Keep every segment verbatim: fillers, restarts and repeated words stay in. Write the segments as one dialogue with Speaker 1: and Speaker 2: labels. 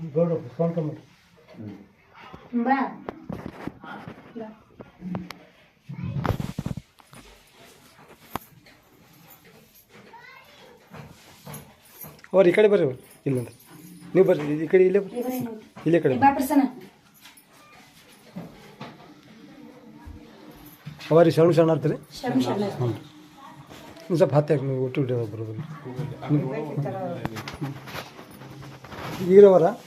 Speaker 1: ಗೌಡ ಸ್ವಂತ ಮಾಡಿ
Speaker 2: ಬಾ
Speaker 1: ಅವ್ರು ಈ ಕಡೆ ಬರ್ರಿ ಅವ್ರು ಇಲ್ಲಂದ್ರೆ ನೀವು ಬರ್ರಿ ಈ ಕಡೆ ಇಲ್ಲೇ ಬರ್ರಿ ಇಲ್ಲೇ ಕಡೆ
Speaker 2: ಬಾ ಪ್ರಸನ್ನ
Speaker 1: ಅವರಿ ಶರಣ ಶರಣ ಇರ್ತೀರಿ
Speaker 2: ಶರಣ ಶರಣ
Speaker 1: ಹ್ಞೂ ನೀವು ಸ್ವಲ್ಪ ಹತ್ತೆ ನೀವು ಒಟ್ಟು ಬರೋಬರು ಈಗಿರೋವರ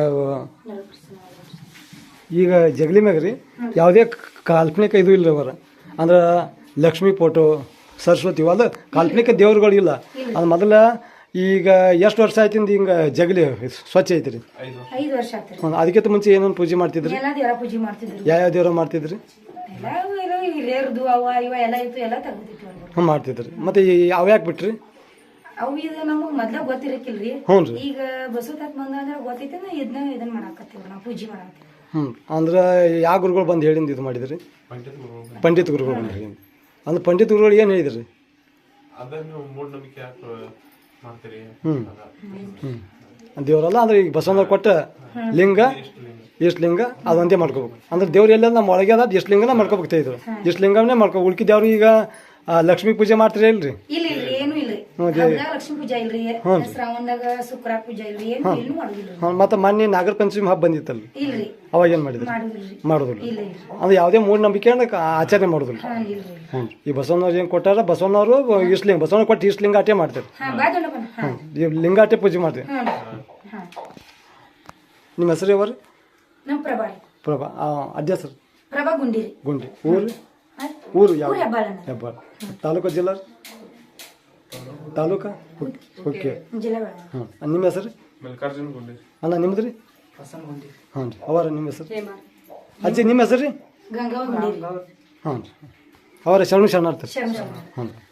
Speaker 1: ಈಗ ಜಗಲಿ ಮ್ಯಾಗ ರೀ ಯಾವುದೇ ಕಾಲ್ಪನಿಕ ಇದು ಇಲ್ಲ ಅವರ ಅಂದ್ರೆ ಲಕ್ಷ್ಮೀ ಫೋಟೋ ಸರಸ್ವತಿ ಅದು ಕಾಲ್ಪನಿಕ ದೇವ್ರುಗಳು ಇಲ್ಲ ಅದು ಮೊದಲ ಈಗ ಎಷ್ಟು ವರ್ಷ ಆಯ್ತಿಂದ ಹಿಂಗೆ ಜಗಲಿ ಸ್ವಚ್ಛ ಐತಿ ರೀ
Speaker 2: ಐದು ವರ್ಷ ಆತ್ರಿ
Speaker 1: ಅದಕ್ಕಿಂತ ಮುಂಚೆ ಏನೇನು ಪೂಜೆ ಮಾಡ್ತಿದ್ರಿ
Speaker 2: ಎಲ್ಲ ದೇವರ ಪೂಜೆ ಮಾಡ್ತಿದ್ರು
Speaker 1: ಯಾವ್ಯಾವ ದೇವ್ರ ಮಾಡ್ತಿದ್ರಿ
Speaker 2: ಎಲ್ಲ ಏನೋ ಹಿರಿಯರ್ದು ಅವ ಇವ ಎಲ್ಲ ಇತ್ತು ಎಲ್ಲ ತೆಗ್ದಿತ್ತು
Speaker 1: ಹ್ಞೂ ಮಾಡ್ತಿದ್ರಿ ಮತ್ತು ಅವು ಯಾಕೆ ಬಿಟ್ರಿ
Speaker 2: ಅವು ಇದು ನಮಗೆ ಮೊದ್ಲ ಗೊತ್ತಿರಕ್ಕಿಲ್ರಿ
Speaker 1: ಹ್ಞೂ ರೀ
Speaker 2: ಈಗ ಬಸವತಾತ್ ಬಂದ ಅಂದ್ರೆ ಗೊತ್ತೈತೆ ನಾ ಇದನ್ನ ಇದನ್ನ ಮಾಡಾಕತ್ತೀವಿ ನಾವು ಪೂಜೆ ಮಾಡಾಕತ್ತೀವಿ
Speaker 1: ಹ್ಞೂ ಅಂದ್ರೆ ಯಾವ ಗುರುಗಳು ಬಂದು ಹೇಳಿಂದ ಇದು ಮಾಡಿದ್ರಿ ಪಂಡಿತ್ ಗುರುಗಳು ಬಂದು ಹೇಳಿ ಅಂದ್ರೆ ಪಂಡಿತ್ ಗುರುಗಳು ಏನು ಹೇಳಿದ್ರಿ
Speaker 3: ಅದನ್ನು ಮೂಢನಂಬಿಕೆ ಯಾಕೆ ಮಾಡ್ತೀರಿ
Speaker 1: ಹ್ಞೂ ಹ್ಞೂ ದೇವರಲ್ಲ ಅಂದ್ರೆ ಈಗ ಬಸವಣ್ಣ ಕೊಟ್ಟ ಲಿಂಗ ಎಷ್ಟು ಲಿಂಗ ಅದೊಂದೇ ಮಾಡ್ಕೋಬೇಕು ಅಂದ್ರೆ ದೇವ್ರು ಎಲ್ಲ ನಮ್ಮ ಒಳಗೆ ಅದ ಎಷ್ಟು ಲಿಂಗನ ಮಾಡ್ಕೋಬೇಕು ಇದ್ರು ಎಷ್ಟು ಲಿಂಗನೇ ಮಾಡ್ಕೋ ಉಳ್ಕಿ ದೇವ್ರು ಈಗ ಲಕ್ಷ್ಮೀ ಪೂಜೆ ಮಾಡ್ತೀರಿ ಇಲ್ರಿ
Speaker 2: ಇಲ್ಲ ಇಲ್ರಿ ಏನು ಇಲ್ರಿ ಹಬ್ಬದಾಗ ಲಕ್ಷ್ಮೀ ಪೂಜಾ ಇಲ್ರಿ ಶ್ರಾವಣದಾಗ ಶುಕ್ರ ಪೂಜಾ ಇಲ್ರಿ ಏನು ಏನು ಮಾಡುದಿಲ್ರಿ
Speaker 1: ಹ್ಞೂ ಮತ್ತು ಮೊನ್ನೆ ನಾಗರ ಪಂಚಮಿ ಹಬ್ಬ ಬಂದಿತ್ತಲ್ರಿ
Speaker 2: ಇಲ್ರಿ
Speaker 1: ಅವಾಗ ಏನು ಮಾಡಿದ್ರಿ
Speaker 2: ಮಾಡುದಿಲ್ರಿ
Speaker 1: ಮಾಡೋದಿಲ್ಲ
Speaker 2: ಇಲ್ಲ ಇಲ್ರಿ
Speaker 1: ಅಂದ್ರೆ ಯಾವುದೇ ಮೂಢನಂಬಿಕೆ ಅಂದ್ರೆ ಆಚರಣೆ ಮಾಡೋದಿಲ್ಲ
Speaker 2: ಹಾ ಇಲ್ರಿ
Speaker 1: ಹ್ಞೂ ಈ ಬಸವಣ್ಣವ್ರು ಏನು ಕೊಟ್ಟಾರ ಬಸವಣ್ಣವರು ಇಷ್ಟು ಲಿಂಗ ಬಸವಣ್ಣ ಕೊಟ್ಟು ಇಷ್ಟು ಲಿಂಗ ಆಟೆ ಮಾಡ್ತಾರೆ
Speaker 2: ಹಾ ಬಾ ದೊಡ್ಡಪ್ಪನ ಹಾ
Speaker 1: ಹ್ಞೂ ಈ ಲಿಂಗಾಟೆ ಪೂಜೆ ಮಾಡ್ತೀವಿ
Speaker 2: ಹಾ ಹಾ
Speaker 1: ನಿಮ್ಮ ಹೆಸರು ಯಾವ್ರಿ
Speaker 2: ನಮ್ಮ ಪ್ರಭಾ
Speaker 1: ಪ್ರಭಾ ಅಜ್ಜ ಸರ್
Speaker 2: ಪ್ರಭಾ ಗುಂಡಿರಿ
Speaker 1: ಗುಂಡಿ ಊರು
Speaker 2: ಹಾ?
Speaker 1: ಊರು ಯಾವ
Speaker 2: ಊರ್ ಹೆಬ್ಬಾಳನ
Speaker 1: ಹೆಬ್ಬಾಳ ತಾಲೂಕು ಜಿಲ್ಲಾ ತಾಲೂಕಾ ಓಕೆ
Speaker 2: ಜಿಲ್ಲಾ ಬೇಡ
Speaker 1: ಹಾಂ ನಿಮ್ಮ ಹೆಸರು
Speaker 3: ಮಲ್ಲಿಕಾರ್ಜುನ ಗುಂಡಿ
Speaker 1: ಅಲ್ಲ ನಿಮ್ಮದು ರೀ ಹಾಂ ರೀ ಅವರ ನಿಮ್ಮ ಹೆಸರು
Speaker 2: ಹೇಮಾ
Speaker 1: ಅಜ್ಜಿ ನಿಮ್ಮ ಹೆಸರು ರೀ
Speaker 2: ಗಂಗಾವ ಗುಂಡಿರಿ
Speaker 1: ಹಾಂ ರೀ ಅವರ ಶರಣು ಶರಣಾರ್ಥಿ
Speaker 2: ಶರಣ ಶರಣ
Speaker 1: ಹಾಂ ರೀ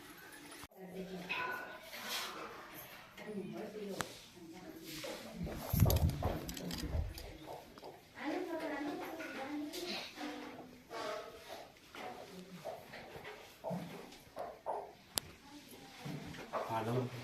Speaker 3: ಹಾಡು